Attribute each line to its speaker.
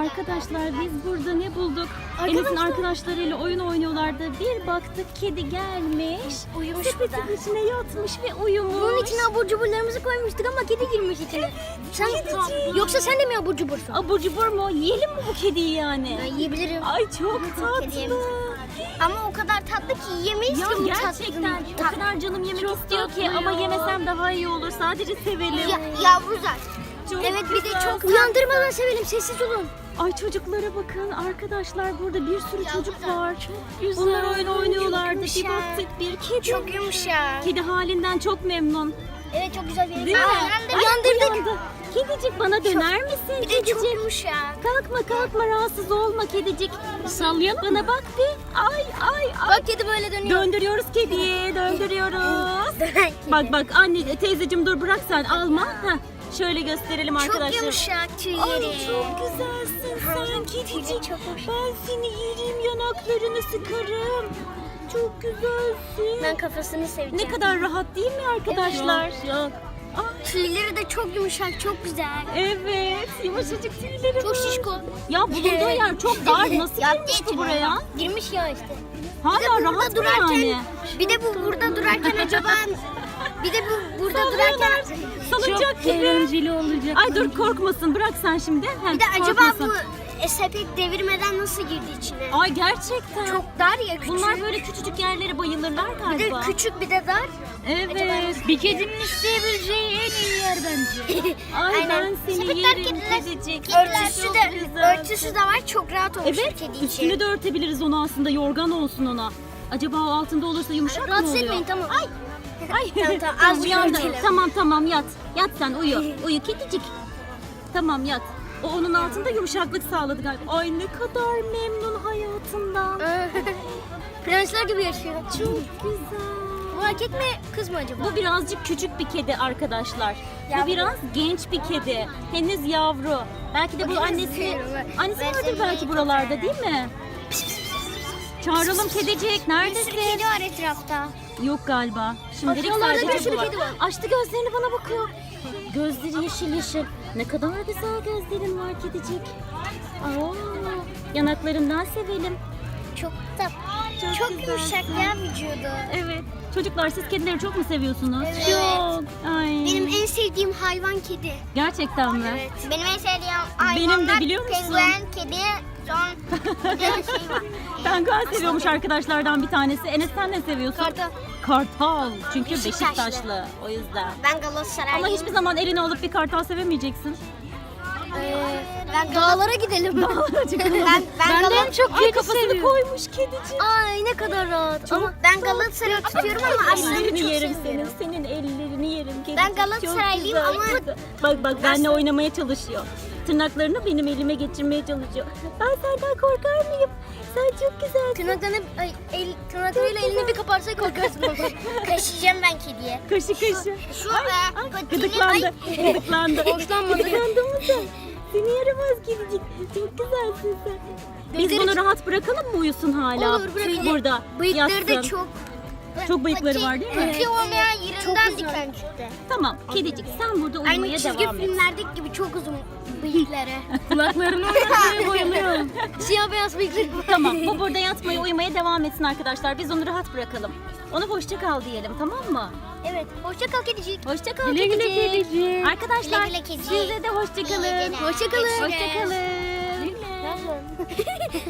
Speaker 1: Arkadaşlar biz burada ne bulduk? Enes'in arkadaşlarıyla oyun oynuyorlardı. Bir baktık kedi gelmiş.
Speaker 2: Uyumuş
Speaker 1: Sepetin içine yatmış ve uyumuş.
Speaker 2: Bunun içine abur cuburlarımızı koymuştuk ama kedi girmiş içine. Yoksa sen de mi abur cubursun?
Speaker 1: Abur cubur mu? Yiyelim mi bu kediyi yani?
Speaker 2: Ben yiyebilirim.
Speaker 1: Ay çok
Speaker 2: Kedi
Speaker 1: tatlı.
Speaker 2: yemez. Ama o kadar tatlı ki yiyemeyiz
Speaker 1: Ya
Speaker 2: ki bu
Speaker 1: gerçekten o kadar canım yemek istiyor ki ama yemesem daha iyi olur. Sadece sevelim.
Speaker 2: Yavru zaten.
Speaker 1: Çok
Speaker 2: Evet bir de
Speaker 1: güzel.
Speaker 2: çok uyandırmadan sevelim, sessiz olun.
Speaker 1: Ay çocuklara bakın arkadaşlar, burada bir sürü çocuk var.
Speaker 2: güzel.
Speaker 1: Bunlar oyun oynuyorlardı. Bir
Speaker 2: Yumuşak.
Speaker 1: baktık bir kedi.
Speaker 2: Çok yumuşak.
Speaker 1: Kedi halinden çok memnun.
Speaker 2: Evet çok güzel bir
Speaker 1: Değil mi? Ay,
Speaker 2: Uyandırdık.
Speaker 1: uyandı. Kedicik bana döner misin?
Speaker 2: Bir de çok
Speaker 1: Kedicik.
Speaker 2: yumuşak.
Speaker 1: Kalkma rahatsız olma kedicik. Sallayalım. Bana bak bir. Ay.
Speaker 2: Bak kedi böyle dönüyor.
Speaker 1: Döndürüyoruz kediyi, döndürüyoruz. Bak anne teyzeciğim dur bırak sen alma. Heh, şöyle gösterelim arkadaşlar.
Speaker 2: Çok yumuşak tüyleri.
Speaker 1: Ay çok güzelsin sen kedicik.
Speaker 2: Çok hoş.
Speaker 1: Ben seni yerim, yanaklarını sıkarım. Çok güzelsin.
Speaker 2: Ben kafasını seveceğim.
Speaker 1: Ne kadar rahat değil mi arkadaşlar?
Speaker 2: Çok.
Speaker 1: Ay,
Speaker 2: Tüyleri de çok yumuşak, çok güzel.
Speaker 1: evet, yumuşacık tüyleri
Speaker 2: Çok
Speaker 1: var.
Speaker 2: şişko.
Speaker 1: Ya bulunduğu yer çok dar. Nasıl girmiş ki buraya?
Speaker 2: Girmiş ya işte.
Speaker 1: Hala rahat mı yani?
Speaker 2: Bir de bu burada durarken acaba bir de bu burada durarken
Speaker 1: Salınacak gibi.
Speaker 3: Eğlenceli olacak.
Speaker 1: Ay dur korkmasın, bırak sen şimdi. Heh,
Speaker 2: bir de acaba
Speaker 1: korkmasın.
Speaker 2: bu sepet devirmeden nasıl girdi içine?
Speaker 1: Ay gerçekten.
Speaker 2: Çok dar ya küçük.
Speaker 1: Bunlar böyle küçücük yerlere bayılırlar
Speaker 2: bir de
Speaker 1: galiba.
Speaker 2: küçük bir de dar.
Speaker 1: Evet.
Speaker 3: Bir kedinin isteyebileceği en iyi yer bence.
Speaker 1: Ay
Speaker 2: Aynen.
Speaker 1: ben seni
Speaker 2: Sepetler
Speaker 1: yerim
Speaker 2: kediler-
Speaker 1: kedicik.
Speaker 2: Örtüsü
Speaker 1: Çok
Speaker 2: de
Speaker 1: güzel.
Speaker 2: örtüsü de var, çok rahat olmuş
Speaker 1: Evet,
Speaker 2: kedi için.
Speaker 1: üstünü de örtebiliriz onu aslında, yorgan olsun ona. Acaba o altında olursa yumuşak mı
Speaker 2: Rahatsız
Speaker 1: oluyor?
Speaker 2: etmeyin tamam.
Speaker 1: Ay.
Speaker 2: Tamam,
Speaker 1: Tamam,
Speaker 2: az
Speaker 1: uyandı.
Speaker 2: örtelim.
Speaker 1: Tamam yat. Yat sen uyu. Uyu kedicik. Tamam yat. O onun altında yumuşaklık sağladı galiba. Ay ne kadar memnun hayatından.
Speaker 2: Prensler gibi yaşıyor.
Speaker 1: Çok güzel.
Speaker 2: Bu erkek mi kız mı acaba?
Speaker 1: Bu birazcık küçük bir kedi arkadaşlar. Bu
Speaker 2: Yavru.
Speaker 1: biraz genç bir kedi. Henüz yavru. Belki de bu
Speaker 2: Bakın
Speaker 1: annesi
Speaker 2: seviyorum.
Speaker 1: annesi
Speaker 2: Ben
Speaker 1: vardır
Speaker 2: seni
Speaker 1: belki
Speaker 2: çok
Speaker 1: buralarda
Speaker 2: severim.
Speaker 1: değil mi? Çağıralım kedicik.
Speaker 2: Bir sürü
Speaker 1: Neredesin?
Speaker 2: kedi var etrafta.
Speaker 1: Yok galiba. Şimdilik
Speaker 2: Aşağılarda
Speaker 1: sadece
Speaker 2: bir sürü
Speaker 1: bu var.
Speaker 2: kedi var.
Speaker 1: Açtı gözlerini bana bakıyor. Gözleri yeşil. Ne kadar güzel gözlerin var kedicik. Aa, yanaklarından sevelim.
Speaker 2: Çok da çok
Speaker 1: güzel.
Speaker 2: yumuşak ya vücudu.
Speaker 1: Evet. Çocuklar siz kedileri çok mu seviyorsunuz?
Speaker 2: Evet.
Speaker 1: Çok. Ay.
Speaker 2: Benim en sevdiğim hayvan kedi.
Speaker 1: Gerçekten mi?
Speaker 2: Evet. Benim en sevdiğim
Speaker 1: Benim de
Speaker 2: hayvanlar
Speaker 1: biliyor musun?
Speaker 2: penguen, kedi, son bir de şey var.
Speaker 1: Penguen seviyormuş arkadaşlardan bir tanesi. Enes sen ne seviyorsun?
Speaker 2: Kartal.
Speaker 1: Kartal. Çünkü
Speaker 2: Beşiktaşlı.
Speaker 1: Beşiktaşlı. O yüzden.
Speaker 2: Ben Galatasaraylıyım.
Speaker 1: Ama hiçbir zaman eline alıp bir kartal sevemeyeceksin.
Speaker 2: Ben dağlara gidelim. ben
Speaker 3: Benden çok
Speaker 1: Ay
Speaker 3: kedi
Speaker 1: kafasını
Speaker 3: seviyorum.
Speaker 1: koymuş kedicik.
Speaker 2: Ay ne kadar rahat. Ama ben Galatasaray'ı tutuyorum ama aslında
Speaker 1: Ellerini
Speaker 2: çok
Speaker 1: yerim
Speaker 2: seviyorum.
Speaker 1: senin. Senin ellerini yerim kedicik.
Speaker 2: Ben Galatasaraylıyım
Speaker 1: Çok
Speaker 2: ama-
Speaker 1: güzel. Bak benle oynamaya çalışıyor. Tırnaklarını benim elime geçirmeye çalışıyor. Ben senden korkar mıyım? Sen çok güzelsin.
Speaker 2: Tırnaklarıyla elini bir kaparsa korkarsın. Kaşıyacağım ben kediye.
Speaker 1: Kaşı.
Speaker 2: Şu patini
Speaker 1: Gıdıklandı. Gıdıklandı.
Speaker 2: Hoşlanmadı.
Speaker 1: Gıdıklandı mı sen? Seni yaramaz kedicik. Çok güzelsin sen. Biz
Speaker 2: Bıyıkları
Speaker 1: bunu rahat bırakalım mı uyusun hala?
Speaker 2: Olur, bırakalım.
Speaker 1: Burada
Speaker 2: Bıyıkları da
Speaker 1: yatsın.
Speaker 2: çok.
Speaker 1: Çok bıyıkları var değil mi?
Speaker 2: Pati olmayan yerinden diken çıktı.
Speaker 1: Tamam kedicik sen burada uyumaya
Speaker 2: Aynı çizgi
Speaker 1: devam et.
Speaker 2: filmlerdeki gibi çok uzun bıyıkları.
Speaker 3: Kulaklarını oynatmaya bayılıyorum.
Speaker 2: Siyah beyaz bıyıkları.
Speaker 1: Tamam bu burada yatmaya uyumaya devam etsin arkadaşlar. Biz onu rahat bırakalım. Ona hoşça kal diyelim tamam mı?
Speaker 2: Evet. Hoşça kal kedicik.
Speaker 1: Hoşça kal
Speaker 3: Güle güle
Speaker 1: kedicik.
Speaker 3: kedicik.
Speaker 1: Arkadaşlar
Speaker 2: Güle güle kedicik.
Speaker 1: size de hoşça kalın.
Speaker 2: Hoşça kalın.
Speaker 1: Hoşça kalın.